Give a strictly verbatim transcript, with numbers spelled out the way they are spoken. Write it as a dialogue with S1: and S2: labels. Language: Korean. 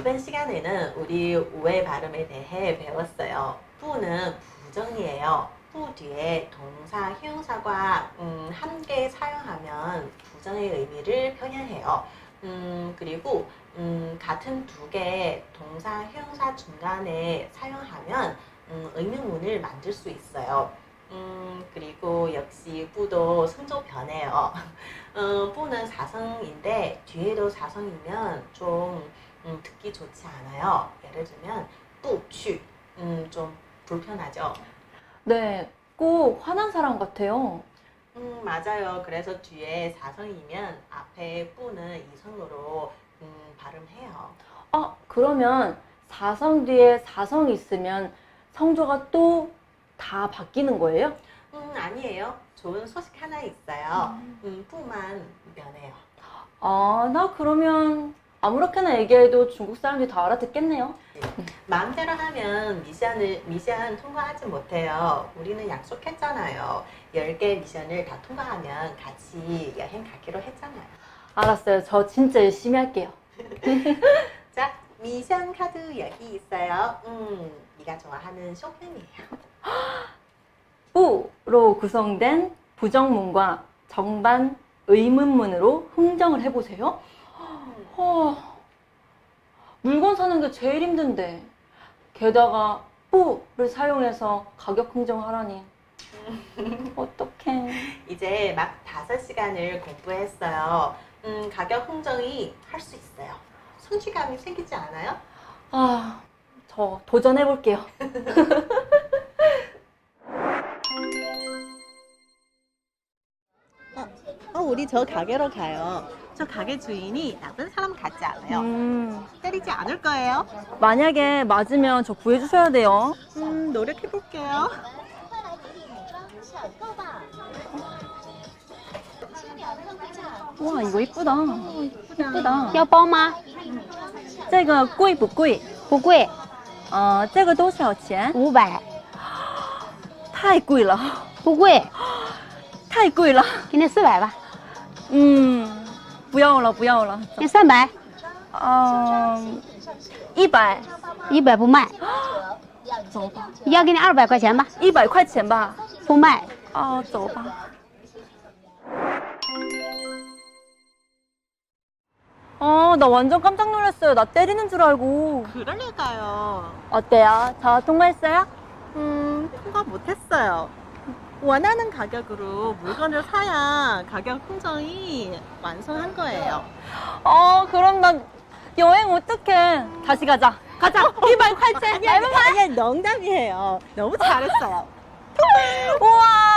S1: 이번 시간에는 우리 우회 발음에 대해 배웠어요. 부는 부정이에요. 부 뒤에 동사, 형용사가 음, 함께 사용하면 부정의 의미를 표현해요. 음, 그리고 음, 같은 두 개의 동사, 형용사 중간에 사용하면 음, 의문문을 만들 수 있어요. 음, 그리고 역시 부도 성조 변해요. 음, 부는 사성인데 뒤에도 사성이면 좀 음, 듣기 좋지 않아요. 예를 들면 부취 음, 좀 불편하죠.
S2: 네, 꼭 화난 사람 같아요.
S1: 음, 맞아요. 그래서 뒤에 사성이면 앞에 부는 이성으로 음, 발음해요.
S2: 아, 그러면 사성 뒤에 사성이 있으면 성조가 또 다 바뀌는 거예요?
S1: 음, 아니에요. 좋은 소식 하나 있어요. 음, 부만 변해요.
S2: 아, 나 그러면 아무렇게나 얘기해도 중국 사람들이 다 알아듣겠네요.
S1: 마음대로 하면 미션을, 미션 통과하지 못해요. 우리는 약속했잖아요. 열 개 미션을 다 통과하면 같이 여행 가기로 했잖아요.
S2: 알았어요. 저 진짜 열심히 할게요.
S1: 자, 미션 카드 여기 있어요. 음, 네가 좋아하는 쇼핑이에요.
S2: 부로 구성된 부정문과 정반 의문문으로 흥정을 해보세요. 허, 물건 사는 게 제일 힘든데 게다가 부를 사용해서 가격 흥정하라니 어떡해.
S1: 이제 막 다섯 시간을 공부했어요. 음, 가격 흥정이 할 수 있어요. 성취감이 생기지 않아요?
S2: 아, 저 도전해볼게요.
S1: 어, 우리 저 가게로 가요. 저 가게 주인이 나쁜 사람 같지 않아요.
S2: 음,
S1: 때리지 않을 거예요.
S2: 만약에 맞으면 저 구해주셔야 돼요.
S1: 음, 노력해볼게요.
S2: 와, 이거 이쁘다. 이쁘다.
S3: 要包吗？
S2: 这个贵不贵？
S3: 不贵，
S2: 呃，这个多少钱？
S3: 五百，
S2: 太贵了，
S3: 不贵，
S2: 太贵了。
S3: 给你四百吧，
S2: 嗯，不要了，不要了。
S3: 给三百，
S2: 嗯，一百，
S3: 一百不卖，
S2: 走吧。
S3: 要给你二百块钱吧，
S2: 一百块钱吧。
S3: 不卖。
S2: 아, 走吧. 아, 나 완전 깜짝 놀랐어요. 나 때리는 줄 알고.
S1: 그러니까요.
S2: 어때요? 저 통과했어요?
S1: 음, 통과 못했어요. 원하는 가격으로 물건을 사야 가격 흥정이 완성한 거예요.
S2: 어, 그럼 나 여행 어떡해. 다시 가자. 가자. 이백块钱.
S1: 아니, 아니, 농담이에요. 너무 잘했어요.
S2: 우와.